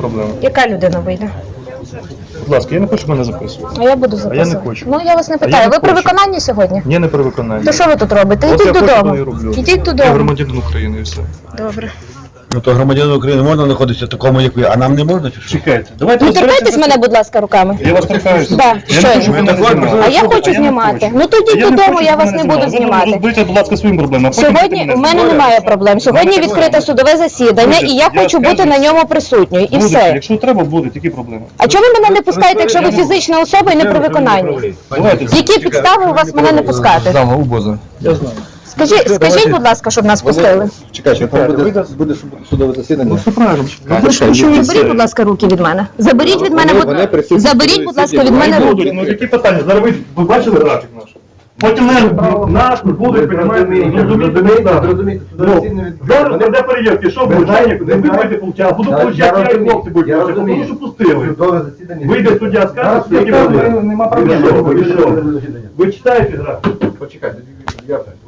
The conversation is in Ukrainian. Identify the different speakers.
Speaker 1: проблема.
Speaker 2: Яка людина вийде?
Speaker 1: Будь ласка, я не хочу, щоб мене записувати.
Speaker 2: А я буду записувати.
Speaker 1: я не хочу.
Speaker 2: Ну, я вас не
Speaker 1: я
Speaker 2: питаю.
Speaker 1: не
Speaker 2: Ви при
Speaker 1: хочу.
Speaker 2: виконанні сьогодні?
Speaker 1: Ні, не при виконанні.
Speaker 2: То що ви тут робите?
Speaker 1: От
Speaker 2: Ідіть
Speaker 1: я хочу, то і
Speaker 2: додому.
Speaker 1: роблю.
Speaker 2: Ідіть
Speaker 1: Я
Speaker 2: додому.
Speaker 1: громадянин України і все.
Speaker 2: Добре.
Speaker 3: Ну то громадянину України можна знаходитися такому, як ви, а нам не можна чи що?
Speaker 1: Чекайте, давайте
Speaker 2: Не торкайтесь мене, будь ласка, руками.
Speaker 1: Я вас торкаюся.
Speaker 2: Да,
Speaker 1: Я не
Speaker 2: щойно.
Speaker 1: хочу, щоб ви мене знімали.
Speaker 2: А я хочу знімати. Ну тоді додому, я вас не буду знімати.
Speaker 1: Розберіться, будь ласка, своїм проблемам.
Speaker 2: Сьогодні у мене немає проблем. Сьогодні відкрите судове засідання, і я хочу бути на ньому присутньою. І все.
Speaker 1: Якщо треба, будуть, які проблеми?
Speaker 2: А чому ви мене не пускаєте, якщо ви фізична особа і не при виконанні?
Speaker 1: Давайте.
Speaker 2: Які підстави у вас мене не пускати?
Speaker 3: Зама УБОЗа.
Speaker 2: Скажіть, будь ласка, щоб нас пустили.
Speaker 3: Чекайте, буде судове засідання.
Speaker 1: Все правильно.
Speaker 2: Заберіть, будь ласка, руки від мене. Заберіть від мене, заберіть, будь ласка, від мене руки.
Speaker 1: Ну які питання? Зараз ви бачили графік наш? Потім наш будуть приймати.
Speaker 4: Зрозумійте,
Speaker 1: Зараз де перевірки, що буде? Ви будете получати, буду получати, я і хлопці будуть получати. Тому що пустили. Вийде суддя, скаже, скільки буде.
Speaker 4: Нема
Speaker 1: Ви що? Ви читаєте графік?
Speaker 4: Почекайте,